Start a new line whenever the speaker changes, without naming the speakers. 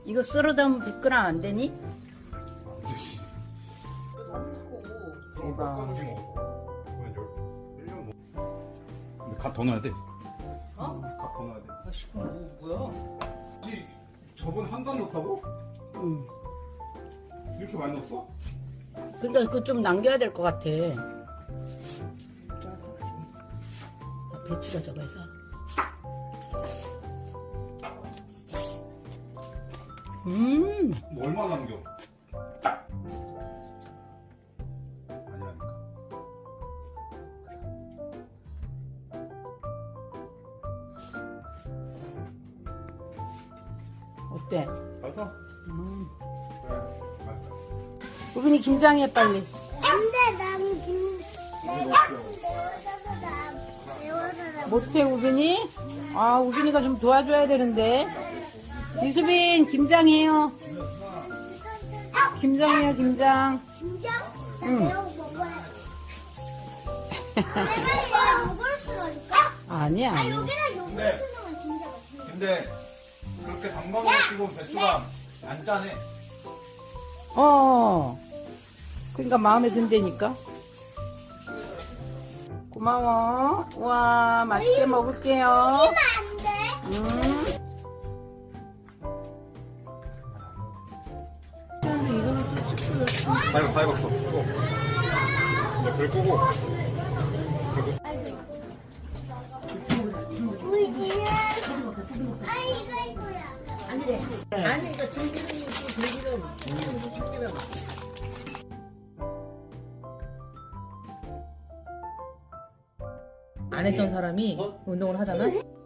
이거 썰어다 하면 100g 안 되니? 대박.
근데 갓 더 넣어야 돼.
어?
갓 더 넣어야 돼.
아씨, 뭐야?
혹시 저번에 한 단 넣다고?
응.
이렇게 많이 넣었어?
그러니까 그거 좀 남겨야 될 것 같아. 배추가 저거 해서.
뭐 얼마 남겨? 아니라니까.
어때?
맛있어? 그래, 맛있어.
우빈이 김장해 빨리.
근데 나는 내가 배워서
못해 우빈이? 아 우빈이가 좀 도와줘야 되는데. 이수빈 김장해요. 김장해요 김장.
김장? 나
응.
배워 먹어야 내가 요구르트 넣을까?
아니야.
아
아니야.
여기다 요구르트 넣으면 진짜 맛있어.
근데 그렇게 단방울 치고 배추가 안 짜네.
그러니까 마음에 든다니까. 고마워. 우와 맛있게 먹을게요.
안 돼.
다 익었어. 끄고. 이제 불 끄고.
우리 뒤에 이거야.
아니 이거 참기름이 있고 들기름. 안 했던 사람이 운동을 하잖아.